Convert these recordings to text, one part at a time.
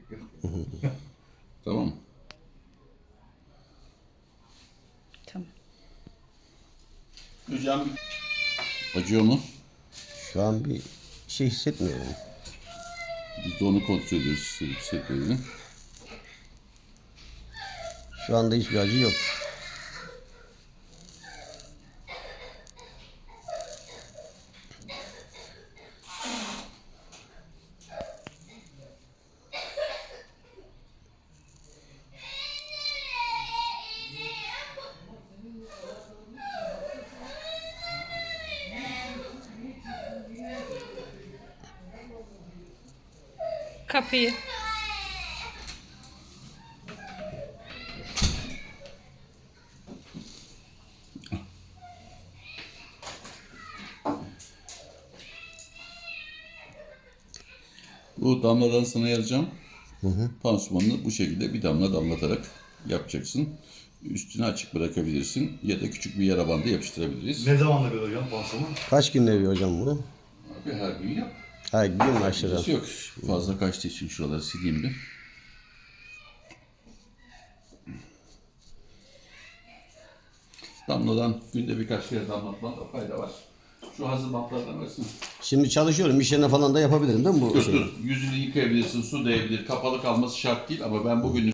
Tamam mı? Tamam. Hocam acıyor mu? Şu an bir şey hissetmiyorum. Biz de onu kontrol ediyoruz. Hissetmediğini. Şu anda hiçbir acı yok. Kapıyı. Bu damladan sana yazacağım. Pansumanını bu şekilde bir damla damlatarak yapacaksın. Üstünü açık bırakabilirsin ya da küçük bir yara bandı yapıştırabiliriz. Ne zamanla bir hocam pansuman? Kaç günde bir hocam bu? Abi her gün yap. Her gün başlayacağım. Acısı yok. Fazla kaçtığı için şuraları sileyim bir. Damladan günde birkaç kere damlatmada fayda var. Şu hazır bantlardan versene. Şimdi çalışıyorum. İş yerine falan da yapabilirim değil mi bu Dur şeyi? dur. Yüzünü yıkayabilirsin, su değebilir. Kapalı kalması şart değil ama ben bugün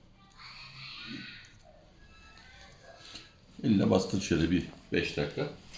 eline bastır şöyle bir 5 dakika.